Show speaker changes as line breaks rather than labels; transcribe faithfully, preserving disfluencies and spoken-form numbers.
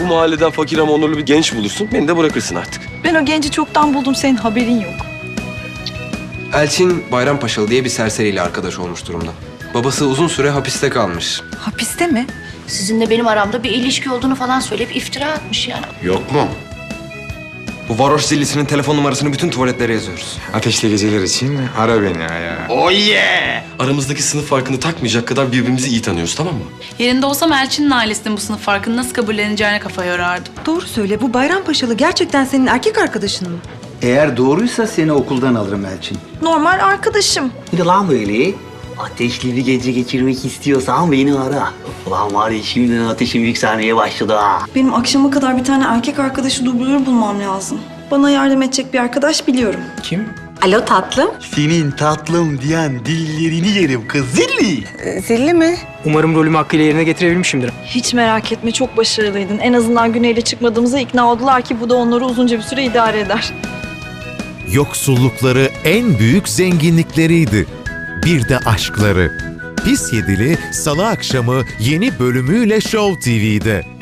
mahalleden fakir ama onurlu bir genç bulursun. Beni de bırakırsın artık.
Ben o genci çoktan buldum, senin haberin yok.
Elçin Bayrampaşalı diye bir serseriyle arkadaş olmuş durumda. Babası uzun süre hapiste kalmış.
Hapiste mi?
Sizinle benim aramda bir ilişki olduğunu falan söyleyip iftira atmış yani.
Yok mu?
Bu varoş zillisinin telefon numarasını bütün tuvaletlere yazıyoruz.
Ateşli geceler için ara beni ya.
Oh yeah! Aramızdaki sınıf farkını takmayacak kadar birbirimizi iyi tanıyoruz, tamam mı?
Yerinde olsam Elçin'in ailesinin bu sınıf farkını nasıl kabulleneceğine kafa yorardım.
Doğru söyle, bu Bayrampaşalı gerçekten senin erkek arkadaşın mı?
Eğer doğruysa seni okuldan alırım Elçin.
Normal arkadaşım.
Bir de lan böyle ateşli bir gece geçirmek istiyorsan beni ara. Ulan var ya şimdiden ateşim yükselmeye başladı ha.
Benim akşama kadar bir tane erkek arkadaşı dublör bulmam lazım. Bana yardım edecek bir arkadaş biliyorum.
Kim?
Alo tatlım.
Senin tatlım diyen dillerini yerim kız zilli.
Zilli mi?
Umarım rolümü hakkıyla yerine getirebilmişimdir.
Hiç merak etme, çok başarılıydın. En azından Güney'le çıkmadığımıza ikna oldular ki bu da onları uzunca bir süre idare eder.
Yoksullukları en büyük zenginlikleriydi. Bir de aşkları. Pis Yedili Salı akşamı yeni bölümüyle Show T V'de.